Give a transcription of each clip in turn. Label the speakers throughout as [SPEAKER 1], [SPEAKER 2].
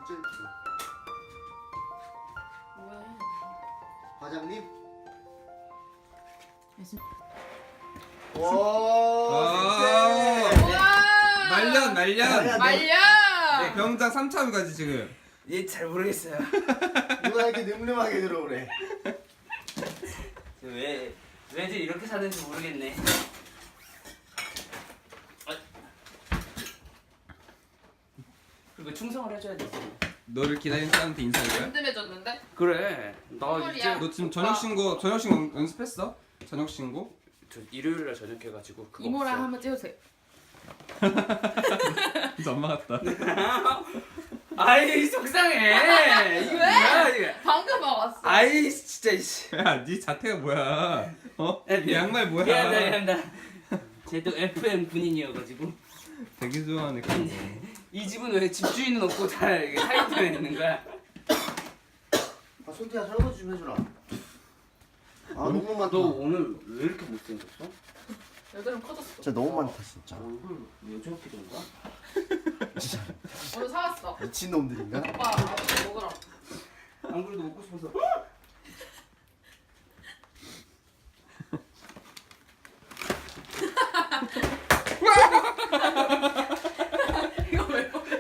[SPEAKER 1] 진짜 예쁘다.
[SPEAKER 2] 뭐야?
[SPEAKER 1] 과장님?
[SPEAKER 2] 무슨?
[SPEAKER 1] 와.
[SPEAKER 3] 말년.
[SPEAKER 2] 말려.
[SPEAKER 3] 네, 병장 3차까지 지금.
[SPEAKER 4] 얘 잘 모르겠어요.
[SPEAKER 1] 누가 이렇게 늠름하게 들어오래.
[SPEAKER 4] 왜 왜들 이렇게 사는지 모르겠네. 그리고 충성을 해줘야 돼.
[SPEAKER 3] 너를 기다리는 사람한테 인사할 거야?
[SPEAKER 2] 든든해졌는데?
[SPEAKER 4] 그래. 나
[SPEAKER 2] 선물이야.
[SPEAKER 4] 이제
[SPEAKER 3] 너 지금 저녁 신고 연습했어? 저녁 신고?
[SPEAKER 4] 저 일요일날 저녁 해가지고 그거
[SPEAKER 2] 이모랑
[SPEAKER 4] 없어.
[SPEAKER 2] 한번 찍으세요.
[SPEAKER 3] 진짜 엄마 같다.
[SPEAKER 4] 아이 속상해. 이거 뭐야 이게?
[SPEAKER 2] 방금 와봤어.
[SPEAKER 4] 아이 진짜 이씨.
[SPEAKER 3] 야, 네 자태가 뭐야? 어?
[SPEAKER 4] 야,
[SPEAKER 3] 이 양말 뭐야?
[SPEAKER 4] 미안하다. 쟤도 FM 군인이어가지고
[SPEAKER 3] 되게 좋아하네.
[SPEAKER 4] 이 집은 왜 집주인은 없고 다 이렇게 사이트에 있는 거야?
[SPEAKER 1] 아, 손태야 설거지 좀 해주라. 아, 너무 많다.
[SPEAKER 4] 너 오늘 왜 이렇게 못생겼어?
[SPEAKER 2] 여드름 커졌어.
[SPEAKER 1] 진짜 너무 많다, 진짜.
[SPEAKER 4] 얼굴 왜 저렇게 된 거야?
[SPEAKER 2] 오늘 사왔어.
[SPEAKER 1] 미친놈들인가?
[SPEAKER 2] 오빠 먹으라.
[SPEAKER 4] 안 그래도 먹고 싶어서.
[SPEAKER 2] 이거 왜 먹어?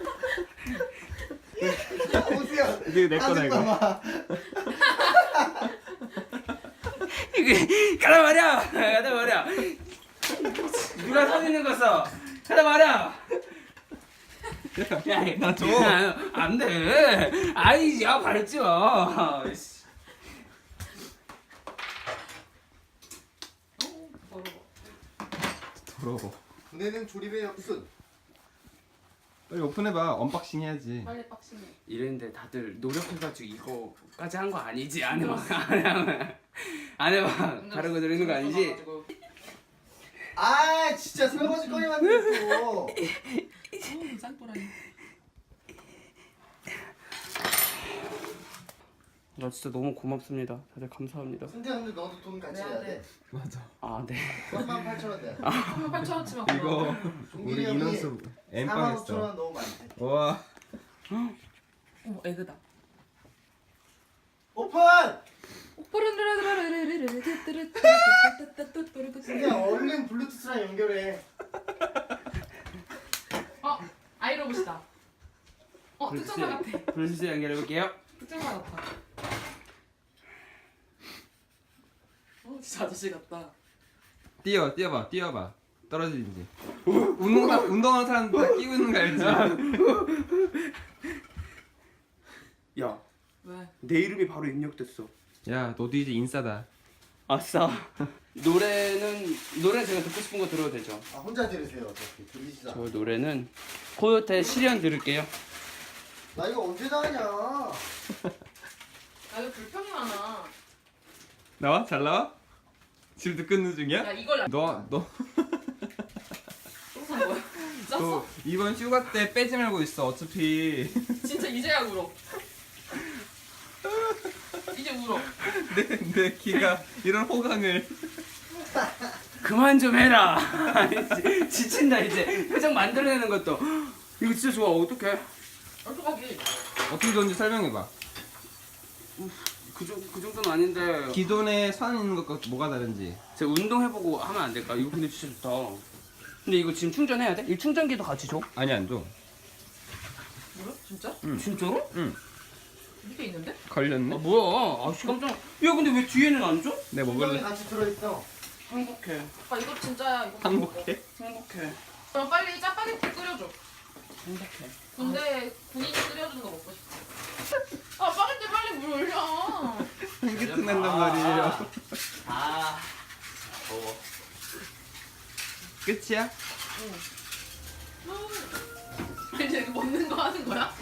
[SPEAKER 1] 호수야.
[SPEAKER 3] 이게 내 거다 이거.
[SPEAKER 4] 이게 가다 말이야. 누가 서 있는 거 써? 가다 말이야. 야,
[SPEAKER 3] 나 줘.
[SPEAKER 4] 안 돼. 아이, 야 밟지 마. 씨.
[SPEAKER 3] 더러워.
[SPEAKER 1] 군대는 조립의 역순.
[SPEAKER 3] 빨리 오픈해봐. 언박싱 해야지.
[SPEAKER 2] 빨리 빡치네.
[SPEAKER 4] 이랬는데 다들 노력해가지고 이거까지 한 거 아니지? 안 해봐. 안 해봐. 다른 거 들리는 거 아니지?
[SPEAKER 1] 아, 진짜 설거지 거리 만들고.
[SPEAKER 2] 쌍뽀라니.
[SPEAKER 4] 나 진짜 너무 고맙습니다. 다들 감사합니다.
[SPEAKER 1] 손태야, 근데 너도 돈 같이 내야 돼.
[SPEAKER 3] 맞아.
[SPEAKER 4] 아, 네.
[SPEAKER 1] 38,000원 돼.
[SPEAKER 2] 8,000원치만
[SPEAKER 3] 이거
[SPEAKER 1] 종길이
[SPEAKER 3] 우리
[SPEAKER 1] 형이
[SPEAKER 3] 인원수 엠빵
[SPEAKER 1] 45,000원
[SPEAKER 3] 했어.
[SPEAKER 1] 너무 많대.
[SPEAKER 3] 와.
[SPEAKER 2] 어머 에그다.
[SPEAKER 1] 오픈! 손태야, 얼른 블루투스랑 연결해.
[SPEAKER 2] 아이로봇이다. 특전사 같아.
[SPEAKER 4] 블루투스 연결해볼게요.
[SPEAKER 2] 특전사 같아. 진짜 아저씨 같다.
[SPEAKER 3] 뛰어봐. 떨어지는지. 운동하는 사람 다 끼고 있는 거 알지?
[SPEAKER 4] 야,
[SPEAKER 2] 왜?
[SPEAKER 4] 내 이름이 바로 입력됐어.
[SPEAKER 3] 야, 너도 이제 인싸다.
[SPEAKER 4] 아싸. 노래는 제가 듣고 싶은 거 들어도 되죠?
[SPEAKER 1] 아, 혼자 들으세요. 어차피 들리시잖아.
[SPEAKER 4] 저 노래는 코요태 실현 들을게요.
[SPEAKER 1] 나 이거 언제 다 하냐?
[SPEAKER 2] 나 이거 불평이 많아.
[SPEAKER 3] 나와? 잘 나와? 지금도 끊는 중이야?
[SPEAKER 2] 야 이걸
[SPEAKER 3] 너
[SPEAKER 2] 산 거야? 짰어?
[SPEAKER 3] 너 이번 휴가 때 빼지 말고 있어. 어차피
[SPEAKER 2] 진짜 이제야 울어. 이제 울어.
[SPEAKER 3] 내 키가 이런 호강을.
[SPEAKER 4] 그만 좀 해라. 지친다 이제. 표정 만들어내는 것도. 이거 진짜 좋아. 어떡해?
[SPEAKER 2] 어떡하기?
[SPEAKER 3] 어떻게 좋은지 설명해봐.
[SPEAKER 4] 그 정도는 아닌데.
[SPEAKER 3] 기존에 선 있는 것과 뭐가 다른지.
[SPEAKER 4] 제가 운동해보고 하면 안 될까? 이거 근데 진짜 좋다. 근데 이거 지금 충전해야 돼? 이 충전기도 같이 줘?
[SPEAKER 3] 아니 안 줘.
[SPEAKER 2] 뭐야? 진짜?
[SPEAKER 4] 진짜로?
[SPEAKER 2] 밑에 있는데?
[SPEAKER 3] 걸렸네.
[SPEAKER 4] 아 뭐야? 아씨 깜짝. 야 근데 왜 뒤에는 안 줘?
[SPEAKER 3] 내가
[SPEAKER 1] 분명히
[SPEAKER 3] 먹을래.
[SPEAKER 1] 같이 들어있어.
[SPEAKER 4] 행복해.
[SPEAKER 2] 오빠 이거 진짜야. 이거
[SPEAKER 3] 행복해.
[SPEAKER 4] 행복해.
[SPEAKER 2] 그럼 빨리 짜파게티 끓여줘.
[SPEAKER 4] 행복해.
[SPEAKER 2] 근데 군인이 끓여주는 거 먹고 싶어. 아 파게티 빨리 물 올려.
[SPEAKER 3] 향기트 난단 말이에요.
[SPEAKER 4] 아. 더워.
[SPEAKER 3] 끝이야?
[SPEAKER 2] 이제 이거 먹는 거 하는 거야?